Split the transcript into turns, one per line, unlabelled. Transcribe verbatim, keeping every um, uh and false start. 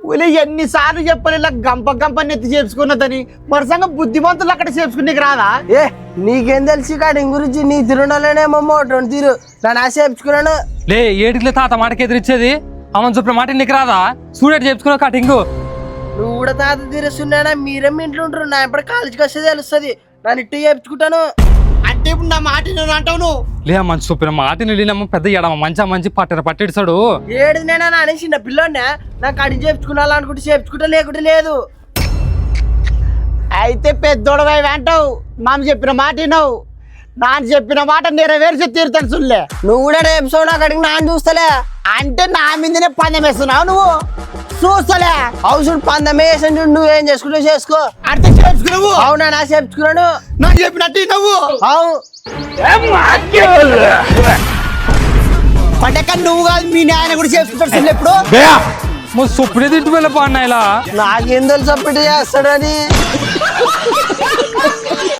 ఊళ్ళో ఎన్నిసార్లు చెప్పాలి ఇలా గంప గంప నెత్తి చేర్చుకున్నదని మరసంగా బుద్ధిమంతులు అక్కడ చేర్చుకునేకి రాదా?
ఏ నీకేం తెలిసి కటింగ్ గురించి నీ తిరుండలేనేమో రెండు తీరు నన్ను ఆశ చేర్చుకున్నాను.
లే ఏటికి తాత మాటకి ఎదిరిచ్చేది అమ్మని చెప్పిన మాట నీకు రాదా? చూడేటి చెప్పుకున్నావు కటింగ్.
నువ్వు కూడా తాత తీరుస్తున్నాడా? మీరేం ఇంట్లో ఉంటారు, నా ఎప్పుడు కాలేజీకి వస్తే తెలుస్తుంది. నన్ను ఇట్టు చేర్చుకుంటాను
అంటే ఇప్పుడు నా మాట నేను అంటావు నువ్వు?
లే మంచి చెప్పిన మాట నీళ్ళమ్మ పెద్ద ఎడమ మంచి మంచి పట్ట పట్టిస్తాడు.
ఏడు నేనా అనేసి నా పిల్లోనే నాకు కటింగ్ చేర్చుకున్నా అనుకుంటే చేర్చుకుంటా, లేకుంటే లేదు.
అయితే పెద్దోడవై అంటావు, మామ చెప్పిన మాట వినవు. నాన్న చెప్పిన మాట నెరవేర్చి తీరుతాను సుల్లే.
నువ్వు కూడా రేపు నా కడిగి నాన్న చూస్తలే
అంటే నా మీదనే పందెం వేస్తున్నావు నువ్వు? చూస్తలే
అవసరం పందమే వేసాను చూడు, నువ్వేం చేసుకుంటావు చేసుకో.
అంటే చేర్చుకున్నావు?
అవునా నా చేర్చుకున్నాను.
నాకు చెప్పినట్టు నువ్వు
అవు
పండక నువ్వు కాదు మీ నాయన కూడా చేసుకుంటాడు సుల్లే. ఎప్పుడు
సుప్పుడే తింటూ వెళ్ళిపో అన్న ఇలా
నాకేం తెలుసు అప్పుడు చేస్తాడని.